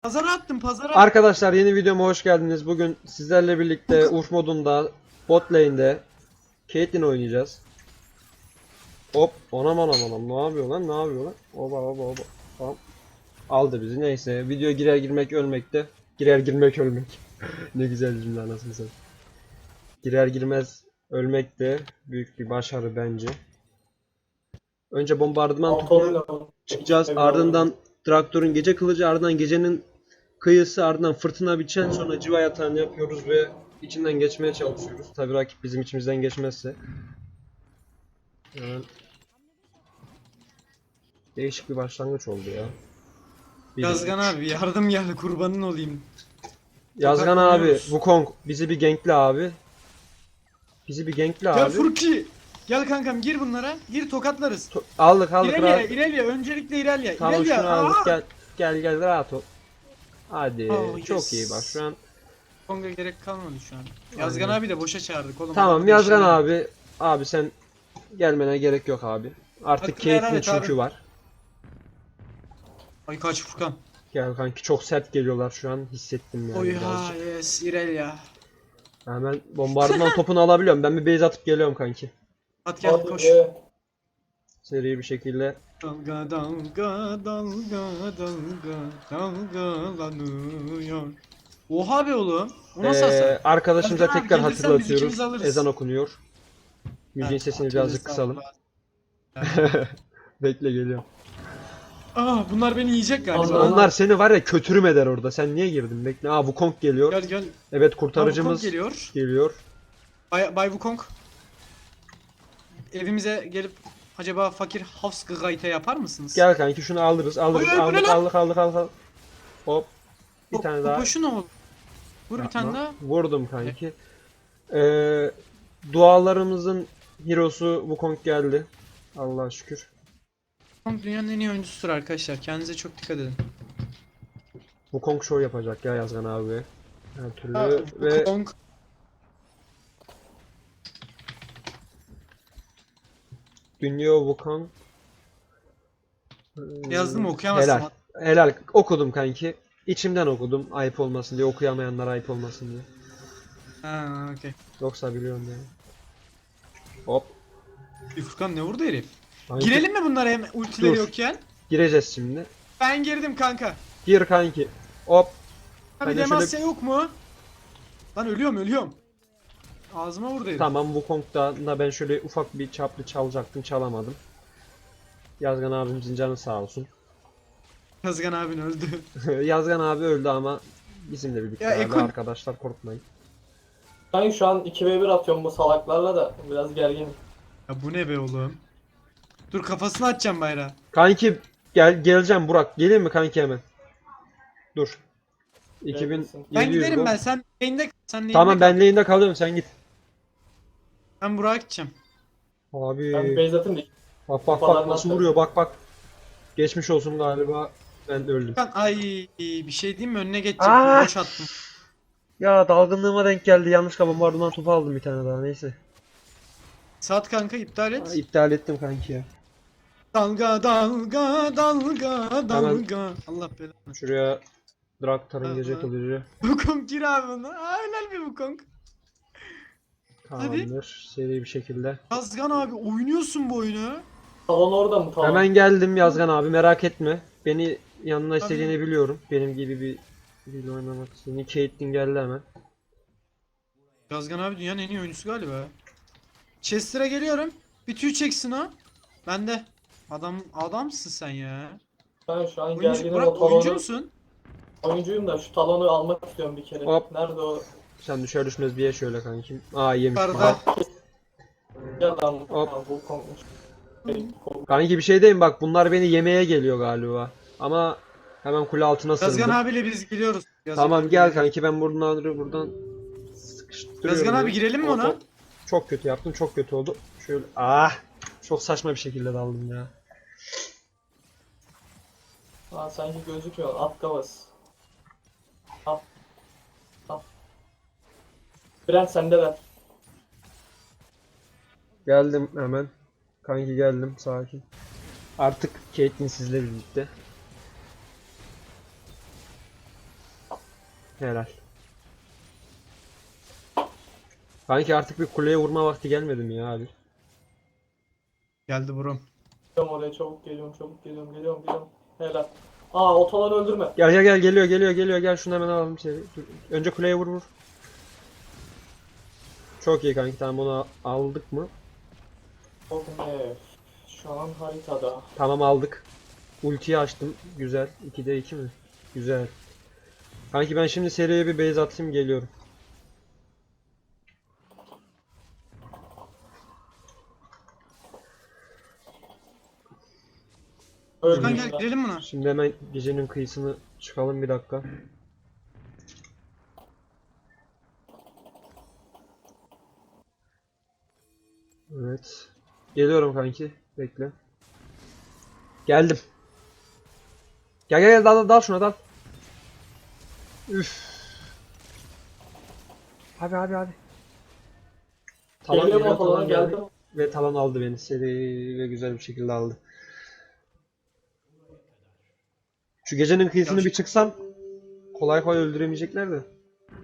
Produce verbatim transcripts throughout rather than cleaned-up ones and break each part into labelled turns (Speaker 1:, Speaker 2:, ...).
Speaker 1: Pazara attım pazara.
Speaker 2: Arkadaşlar yeni videoma hoş geldiniz. Bugün sizlerle birlikte Urf modunda bot lane'de Caitlyn oynayacağız. Hop, anam anam anam, ne yapıyor lan, ne yapıyor lan? Oba oba oba. Tamam. Aldı bizi, neyse. Video girer girmek ölmekte. Girer girmek ölmek. Ne güzel cümle, anasını satayım. Girer girmez ölmek de büyük bir başarı bence. Önce bombardıman topuna çıkacağız. Ardından traktörün gece kılıcı, ardından gecenin kıyısı, ardından fırtına biçen, sonra civa yatağını yapıyoruz ve içinden geçmeye çalışıyoruz. Tabii rakip bizim içimizden geçmezse. Yani değişik bir başlangıç oldu ya. Bir
Speaker 1: Yazgan
Speaker 2: üç.
Speaker 1: abi yardım geldi kurbanın olayım.
Speaker 2: Yazgan abi,
Speaker 1: Tokatlanıyoruz.
Speaker 2: Wukong bizi bir gankle abi. Bizi bir gankle
Speaker 1: Gel
Speaker 2: abi.
Speaker 1: Furki. Gel kankam gir bunlara. Gir tokatlarız.
Speaker 2: To- aldık aldık
Speaker 1: İrelia
Speaker 2: rahat.
Speaker 1: İrelia öncelikle İrelia.
Speaker 2: Tamam,
Speaker 1: İrelia.
Speaker 2: şunu aldık,
Speaker 1: Aa!
Speaker 2: gel gel gel rahat ol. Hadi,
Speaker 1: Oh,
Speaker 2: çok
Speaker 1: yes.
Speaker 2: iyi bak şu an.
Speaker 1: Konga gerek kalmadı şu an. Yazgan
Speaker 2: Aynen.
Speaker 1: abi de boşa çağırdık oğlum.
Speaker 2: Tamam
Speaker 1: Adamı
Speaker 2: Yazgan
Speaker 1: değiştirelim.
Speaker 2: abi. Abi sen gelmene gerek yok abi. Artık
Speaker 1: Hakkını helal
Speaker 2: Caitlyn
Speaker 1: et
Speaker 2: çünkü
Speaker 1: abi.
Speaker 2: var.
Speaker 1: Ay kaç Furkan.
Speaker 2: Gel kanki, çok sert geliyorlar şu an, hissettim yani
Speaker 1: Oy ha
Speaker 2: birazcık.
Speaker 1: yes İrelia.
Speaker 2: Hemen bombardıman topunu alabiliyorum. Ben bir base atıp geliyorum kanki.
Speaker 1: At gel koş.
Speaker 2: Seri bir şekilde.
Speaker 1: Dalga dalga dalga dalga dalgalanıyor. Oha be oğlum. O nasıl hasar?
Speaker 2: Ee, arkadaşımıza
Speaker 1: Yazgan abi,
Speaker 2: tekrar
Speaker 1: gelirsen biz
Speaker 2: hatırlatıyoruz.
Speaker 1: ikimiz alırız.
Speaker 2: Ezan okunuyor. Müziğin
Speaker 1: Ha,
Speaker 2: sesini
Speaker 1: tövbe
Speaker 2: birazcık kısalım.
Speaker 1: estağfurullah.
Speaker 2: Bekle, geliyorum.
Speaker 1: Aa bunlar beni yiyecek galiba.
Speaker 2: Onlar seni var ya kötürüm eder orada. Sen niye girdin? Bekle. Aa, Wukong geliyor.
Speaker 1: Gel gel.
Speaker 2: Evet,
Speaker 1: Wukong
Speaker 2: kurtarıcımız
Speaker 1: geliyor.
Speaker 2: geliyor.
Speaker 1: Bay, Bay Wukong. Evimize gelip acaba fakir Hafsgayte yapar mısınız?
Speaker 2: Gel kanki, şunu alırız. Alırız.
Speaker 1: Oy, oy, bu ne
Speaker 2: aldık,
Speaker 1: lan?
Speaker 2: aldık aldık aldık aldık. Hop. Bir
Speaker 1: Bu-
Speaker 2: tane
Speaker 1: bu
Speaker 2: daha.
Speaker 1: boşuna oldu. Vur bir tane
Speaker 2: Yapma.
Speaker 1: daha.
Speaker 2: Vurdum kanki. Ee, dualarımızın hero'su Wukong geldi. Allah'a şükür.
Speaker 1: Wukong dünyanın en iyi oyuncusudur arkadaşlar. Kendinize çok dikkat edin.
Speaker 2: Wukong show yapacak ya Yazgan abi. Her türlü
Speaker 1: Ha,
Speaker 2: ve
Speaker 1: Wukong.
Speaker 2: Dünyo Wukong. Ee,
Speaker 1: Yazdım okuyamazsın.
Speaker 2: Helal. Helal. Okudum kanki. İçimden okudum. Ayıp olmasın diye. Okuyamayanlara ayıp olmasın diye.
Speaker 1: Ha okey.
Speaker 2: Yoksa biliyorum yani. Hop.
Speaker 1: Bir Furkan ne vurdu herif?
Speaker 2: Kanki,
Speaker 1: Girelim mi bunlara hem ultileri
Speaker 2: Dur.
Speaker 1: yokken?
Speaker 2: gireceğiz şimdi.
Speaker 1: Ben girdim kanka.
Speaker 2: Gir kanki. Hop.
Speaker 1: Abi
Speaker 2: Ben de
Speaker 1: Demacia
Speaker 2: şöyle-
Speaker 1: yok mu? Lan ölüyorum ölüyorum. Ağzıma vurdu herif.
Speaker 2: Tamam, Wukong'da da ben şöyle ufak bir çaplı çalacaktım. Çalamadım. Yazgan abimizin canı sağ olsun.
Speaker 1: Yazgan abin öldü.
Speaker 2: Yazgan abi öldü ama bizimle birlikte
Speaker 1: Ya
Speaker 2: abi,
Speaker 1: Ekon-
Speaker 2: arkadaşlar, korkmayın.
Speaker 3: Ben şu an iki ve bir atıyorum bu salaklarla da biraz gerginim.
Speaker 1: Ya bu ne be oğlum? Dur kafasını atacağım bayrağı.
Speaker 2: Kanki gel, geleceğim Burak. Geleyim mi kanki hemen? Dur. iki bin yedi yüz
Speaker 1: Ben giderim
Speaker 2: gol.
Speaker 1: ben sen lane'de sen lane'de
Speaker 2: Tamam,
Speaker 1: kal.
Speaker 2: ben lane'de kalıyorum, sen git.
Speaker 1: Ben Burak'a gideceğim.
Speaker 2: Abi
Speaker 3: Ben bir base atayım da
Speaker 2: bak bak bak nasıl vuruyor, bak bak. Geçmiş olsun galiba. Ben de öldüm.
Speaker 1: Furkan ay bir şey diyeyim mi önüne geçecek.
Speaker 2: Aa!
Speaker 1: Boş attım.
Speaker 2: Ya dalgınlığıma denk geldi. Yanlışlıkla bombardıman topu aldım bir tane daha, neyse.
Speaker 1: Saat kanka iptal
Speaker 2: Aa,
Speaker 1: et.
Speaker 2: iptal ettim kanki ya.
Speaker 1: Dalga dalga dalga dalga. Allah belanı.
Speaker 2: Şuraya Draktar'ın gece
Speaker 1: Aha.
Speaker 2: kılıcı.
Speaker 1: Wukong gir abi bunu. Aa helal bir Wukong.
Speaker 2: Tamamdır. Seri bir şekilde.
Speaker 1: Yazgan abi oynuyorsun bu oyunu.
Speaker 3: talon orada mı talon?
Speaker 2: Hemen geldim Yazgan abi, merak etme. Beni yanına
Speaker 1: Tabii.
Speaker 2: istediğini biliyorum. Benim gibi bir biriyle oynamak istediğini. Caitlyn geldi hemen.
Speaker 1: Yazgan abi dünyanın en iyi oyuncusu galiba. Chester'a geliyorum. Bir tüy çeksin o. Ben de. Adam adamsın sen ya.
Speaker 3: Ben şu an
Speaker 1: Oyuncu,
Speaker 3: gerginim o
Speaker 1: Burak oyuncu
Speaker 3: talonu.
Speaker 1: musun?
Speaker 3: Oyuncuyum da şu talonu almak istiyorum bir kere.
Speaker 2: Hop.
Speaker 3: Nerede o?
Speaker 2: Sen düşer düşmez bir ye şöyle kankim. Aa, yemiş.
Speaker 1: Yukarıda.
Speaker 2: Aha.
Speaker 3: Ya lan.
Speaker 2: Hop.
Speaker 3: Ha, bu konmuş.
Speaker 2: Kanki bir şey diyeyim, bak bunlar beni yemeye geliyor galiba. Ama hemen kule altına
Speaker 1: Yazgan
Speaker 2: sığındım.
Speaker 1: abiyle biz geliyoruz. Yazgan
Speaker 2: Tamam
Speaker 1: abi
Speaker 2: gel
Speaker 1: geliyor.
Speaker 2: kanki, ben buradan buradan sıkıştırıyorum.
Speaker 1: Yazgan abi
Speaker 2: beni.
Speaker 1: girelim mi
Speaker 2: Hop,
Speaker 1: ona?
Speaker 2: hop. Çok kötü yaptım, çok kötü oldu. Şöyle ah, çok saçma bir şekilde daldım ya.
Speaker 3: Ha sanki gözüküyor. At kavas. Al. Al. Brent sende ver.
Speaker 2: Geldim hemen. Kanki geldim, sakin. Artık Caitlyn sizle birlikte. Helal. Sanki artık bir kuleye vurma vakti gelmedi mi ya abi?
Speaker 1: Geldi buram.
Speaker 3: Geliyorum oraya, çabuk geliyorum, çabuk geliyorum, geliyorum, geliyorum. Helal. Aa, otaları öldürme.
Speaker 2: Gel gel gel geliyor geliyor geliyor gel şunu hemen alalım içeri. Dur. Önce kuleye vur vur. Çok iyi kanki, tamam onu aldık mı?
Speaker 3: Çok ne? Şu an haritada.
Speaker 2: Tamam aldık. Ultiyi açtım. Güzel. ikide iki mi? Güzel. Kanki ben şimdi seriye bir base atayım, geliyorum.
Speaker 1: Furkan
Speaker 3: Öldüm
Speaker 1: gel
Speaker 3: ben.
Speaker 1: girelim buna.
Speaker 2: Şimdi hemen gecenin kıyısını çıkalım bir dakika. Evet. Geliyorum kanki. Bekle. Geldim. Gel gel gel, dal dal dal şuna, dal. Üf. Abi abi abi. Talon
Speaker 3: Geliyorum
Speaker 2: geliyor,
Speaker 3: otalara,
Speaker 2: talon geldi.
Speaker 3: geldim.
Speaker 2: Ve talon aldı beni. Seri ve güzel bir şekilde aldı. Şu gecenin kıyısını
Speaker 1: Ya
Speaker 2: bir çıksam kolay kolay öldüremeyecekler de.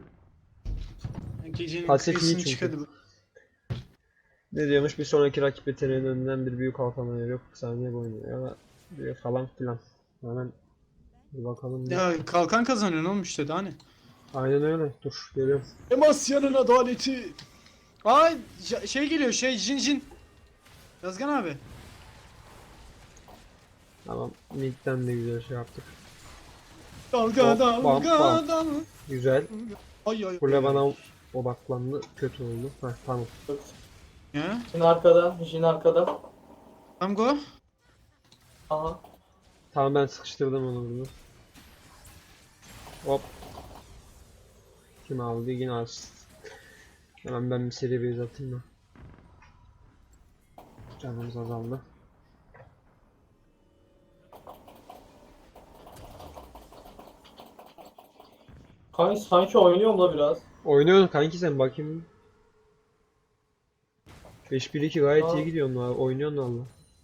Speaker 1: Gecenin
Speaker 2: Pasif iyi
Speaker 1: kıyısını
Speaker 2: çünkü.
Speaker 1: çıkadı bu.
Speaker 2: Ne diyormuş? Bir sonraki rakip yeteneğinin önünden bir büyük kalkan yok saniye boyunca ya da bir falan filan. Hemen bir bakalım. bir.
Speaker 1: Ya kalkan kazanıyor ne olmuş dedi hani.
Speaker 2: Aynen öyle. Dur geliyorum.
Speaker 1: Demasya'nın adaleti. Ay j- şey geliyor şey Jin Jin. Yazgan abi.
Speaker 2: Tamam. Mid'den de güzel şey yaptık.
Speaker 1: Dalga
Speaker 2: Hop, bam,
Speaker 1: dalga
Speaker 2: bam.
Speaker 1: dalga.
Speaker 2: Güzel.
Speaker 1: Ay ay.
Speaker 2: Kule
Speaker 1: ay.
Speaker 2: bana odaklandı. Kötü oldu. Heh, tamam.
Speaker 1: Ya.
Speaker 3: Jin arkada, Jin arkada.
Speaker 1: Tamam go.
Speaker 3: Aha.
Speaker 2: Tamam ben sıkıştırdım onu burada. Hop. Kim aldı? Yine az. Hemen ben bir seri base atayım da. Canımız azaldı.
Speaker 3: Kanki sanki oynuyorum da biraz.
Speaker 2: Oynuyorsun kanki sen, bakayım. beş bir iki gayet
Speaker 3: Aa.
Speaker 2: iyi gidiyorsun abi. Oynuyorsun valla.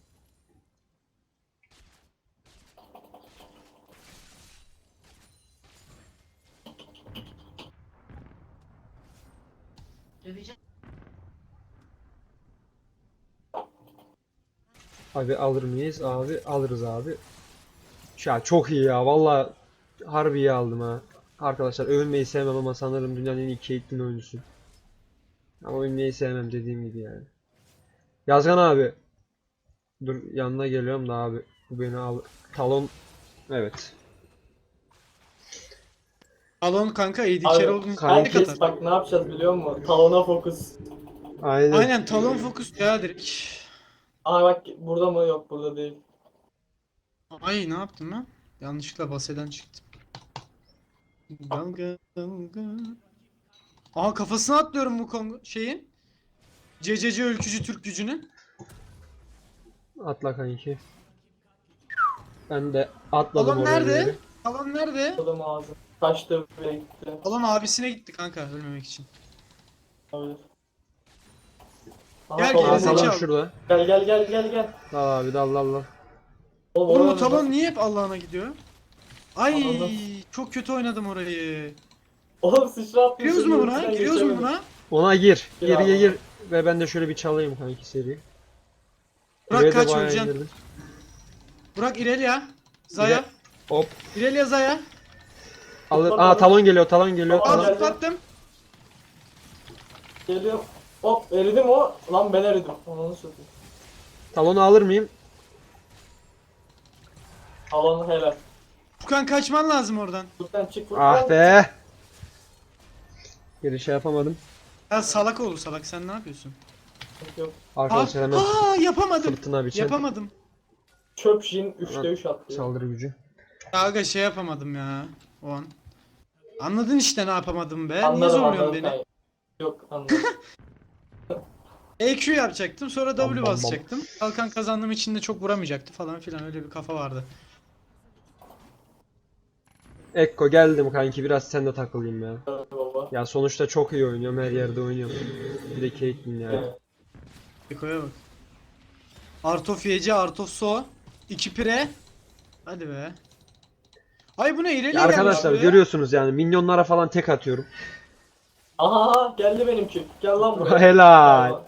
Speaker 2: Abi alır mıyız? Abi alırız abi. Ya çok iyi ya valla, harbi iyi aldım ha. Arkadaşlar övünmeyi sevmem ama sanırım dünyanın en iyi Caitlyn oyuncusu. Ama övünmeyi sevmem dediğim gibi yani. Yazgan abi. Dur yanına geliyorum da abi. Bu beni al. Talon. Evet.
Speaker 1: Alon kanka A D
Speaker 3: Abi,
Speaker 1: carry olduğunu
Speaker 2: kanki-
Speaker 1: tek atar.
Speaker 3: herkes bak ne yapacağız biliyor musun? Talona fokus.
Speaker 2: Aynen.
Speaker 1: Aynen talon fokus ya direkt.
Speaker 3: Aha bak, burada mı? Yok, burada değil.
Speaker 1: Ay ne yaptım ben? Yanlışlıkla baseden çıktım. Dalga dalga. Aha kafasına atlıyorum bu Kongo şeyin. C C C ülkücü Türk gücünü.
Speaker 2: Atla kanki. Ben de atladım
Speaker 1: Talon
Speaker 2: oraya
Speaker 1: nerede?
Speaker 2: doğru.
Speaker 1: Talon nerede?
Speaker 3: Adam ağzı. Kaçtı buraya gitti.
Speaker 1: Talon abisine gitti kanka ölmemek için.
Speaker 3: Olabilir.
Speaker 1: Gel,
Speaker 3: Talon
Speaker 2: Aa,
Speaker 1: gerizekalı.
Speaker 3: burada.
Speaker 2: talon şurada.
Speaker 3: Gel gel gel gel gel.
Speaker 2: Dal abi dal dal dal.
Speaker 3: Oğlum,
Speaker 1: Oğlum
Speaker 3: oraya
Speaker 1: bu talon
Speaker 3: bak.
Speaker 1: niye hep Allah'ına gidiyor? Ay
Speaker 3: Anladım.
Speaker 1: çok kötü oynadım orayı.
Speaker 3: Oğlum sıçra attın.
Speaker 1: Giriyoruz mu buna? Giriyoruz mu buna?
Speaker 2: Ona gir.
Speaker 3: Gir
Speaker 2: Geriye
Speaker 3: abi.
Speaker 2: gir. Ve ben de şöyle bir çalayım kanki seri.
Speaker 1: Burak
Speaker 2: Buraya da
Speaker 1: kaç
Speaker 2: bayağı
Speaker 1: öleceksin?
Speaker 2: indirdim.
Speaker 1: Burak İrelia. Zaya.
Speaker 2: Hop.
Speaker 1: İrelia Zaya.
Speaker 2: Alır.
Speaker 3: Topla,
Speaker 2: Aa
Speaker 3: topla.
Speaker 2: talon geliyor, talon geliyor.
Speaker 3: Tamam,
Speaker 2: Talon.
Speaker 1: Al
Speaker 3: geldi.
Speaker 1: zıplattım.
Speaker 3: Geliyor. Hop, eridim o. Lan ben eridim. Onu satayım.
Speaker 2: Talonu alır mıyım?
Speaker 3: Alan helal.
Speaker 1: Furkan kaçman lazım oradan.
Speaker 3: Buradan çık.
Speaker 2: Ah
Speaker 3: buradan.
Speaker 2: be. Geri şey yapamadım.
Speaker 1: Ya salak olur salak sen ne yapıyorsun?
Speaker 3: Yok.
Speaker 2: Arkadaşlar hemen
Speaker 1: Aa yapamadım.
Speaker 2: fırtına biçen
Speaker 1: Yapamadım.
Speaker 3: Çöp Jin üçte üç attı.
Speaker 2: saldırı gücü.
Speaker 1: Ya aga şey yapamadım ya o an. Anladın işte ne yapamadım be. Niye
Speaker 3: Anladım,
Speaker 1: zorluyorsun
Speaker 3: anladım
Speaker 1: beni?
Speaker 3: kanka. Yok, anladım.
Speaker 1: E Q yapacaktım sonra
Speaker 2: Bam, bam,
Speaker 1: W
Speaker 2: bam.
Speaker 1: basacaktım. Kalkan kazandığım için de çok vuramayacaktı falan filan öyle bir kafa vardı.
Speaker 2: Ekko geldim kanki, biraz sen de takılayım ya.
Speaker 3: Baba.
Speaker 2: Ya sonuçta çok iyi oynuyorum, her yerde oynuyorum. Bir de Caitlyn ya.
Speaker 3: Evet.
Speaker 1: Eko'ya bak. Art of Yece, Art of So. iki pire. Hadi be. Ay bu ne İreli'ye
Speaker 2: Ya arkadaşlar
Speaker 1: gelmiş bu ya.
Speaker 2: görüyorsunuz yani minyonlara falan tek atıyorum.
Speaker 3: Aha aha, geldi benimki. Gel lan buraya.
Speaker 2: Helal.
Speaker 3: Gel lan.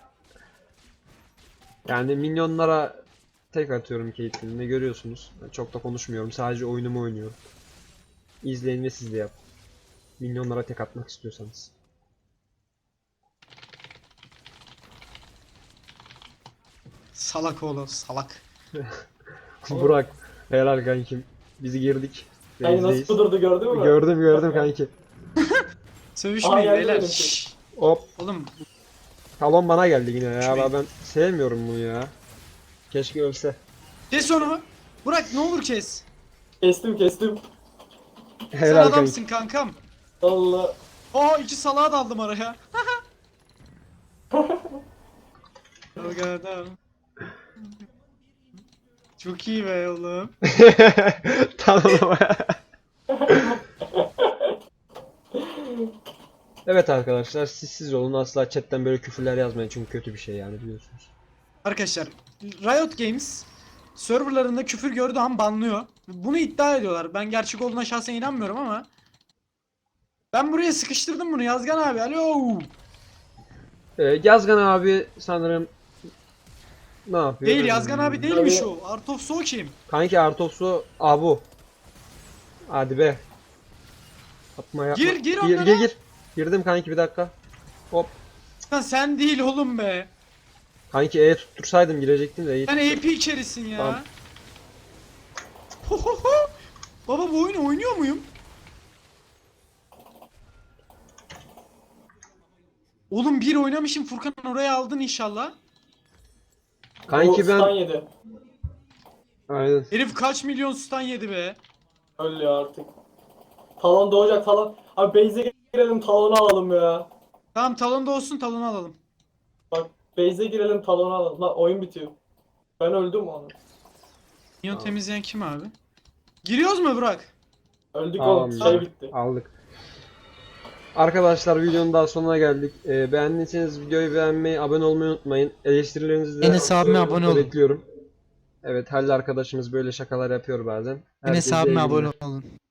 Speaker 2: Yani minyonlara tek atıyorum Caitlyn'le görüyorsunuz. Ben çok da konuşmuyorum. Sadece oyunumu oynuyorum. İzleyin ve siz de yapın. Minyonlara tek atmak istiyorsanız.
Speaker 1: Salak oğlum salak.
Speaker 2: Burak, helal kankim. Bizi girdik.
Speaker 3: Ay nasıl
Speaker 2: Base'deyiz.
Speaker 3: kudurdu gördün mü?
Speaker 2: Gördüm gördüm
Speaker 3: Bak ya.
Speaker 2: kanki.
Speaker 1: Sövüşmeyin
Speaker 3: Aa, geldi
Speaker 1: beyler.
Speaker 3: benimki.
Speaker 1: Şşş.
Speaker 2: Hop.
Speaker 1: Oğlum
Speaker 2: Talon bana geldi yine ya.
Speaker 1: Şurayı-
Speaker 2: Ben, ben sevmiyorum bunu ya. Keşke ölse.
Speaker 1: kes onu. Burak ne olur kes.
Speaker 3: Kestim kestim.
Speaker 1: Sen
Speaker 2: Helal kanki.
Speaker 1: adamsın kankam.
Speaker 3: Allah.
Speaker 1: Aa iki salağa daldım araya. Dalgadan. Çok iyi be oğlum.
Speaker 2: Talon. Evet arkadaşlar siz siz olun, asla chatten böyle küfürler yazmayın çünkü kötü bir şey yani biliyorsunuz.
Speaker 1: Arkadaşlar Riot Games serverlarında küfür gördüğü an banlıyor. Bunu iddia ediyorlar. Ben gerçek olduğuna şahsen inanmıyorum ama. Ben buraya sıkıştırdım bunu Yazgan abi. Alo.
Speaker 2: Ee, Yazgan abi sanırım ne yapıyor?
Speaker 1: Değil Yazgan abi değilmiş
Speaker 3: Tabii.
Speaker 1: o. Art of Soul kim?
Speaker 2: Kanki Artos'u abu. Hadi be. Yapma yapma.
Speaker 1: Gir, gir
Speaker 2: Gir
Speaker 1: onlara.
Speaker 2: gir gir. Girdim kanki bir dakika. Hop.
Speaker 1: Lan sen değil oğlum be.
Speaker 2: Kanki E tuttursaydım girecektim de iyi.
Speaker 1: Sen A P içerisin ya.
Speaker 2: Tamam.
Speaker 1: Ho ho ho. Baba bu oyunu oynuyor muyum? Oğlum bir oynamışım Furkan oraya aldın inşallah.
Speaker 2: Kanki
Speaker 3: O stun
Speaker 2: ben
Speaker 3: yedi.
Speaker 2: aynen.
Speaker 1: Herif kaç milyon stun yedi be.
Speaker 3: Öyle ya artık. Talon doğacak talon. Abi base'e girelim talonu alalım ya.
Speaker 1: Tamam talon da olsun talonu alalım.
Speaker 3: Bak base'e girelim talonu alalım. Lan oyun bitiyor. Ben öldüm onu.
Speaker 1: Minyon
Speaker 2: Tamam.
Speaker 1: temizleyen kim abi? Giriyoruz mu Burak?
Speaker 3: Öldük
Speaker 2: Tamam
Speaker 3: oğlum.
Speaker 2: ya.
Speaker 3: Şey bitti.
Speaker 2: Aldık. Arkadaşlar videonun daha sonuna geldik. Ee, beğendiyseniz videoyu beğenmeyi, abone olmayı unutmayın. Eleştirilerinizi de
Speaker 1: Enes abime abone olun.
Speaker 2: bekliyorum. Evet, Halil arkadaşımız böyle şakalar yapıyor bazen.
Speaker 1: Enes
Speaker 2: Herkese iyi
Speaker 1: abime abone
Speaker 2: günler.
Speaker 1: olun.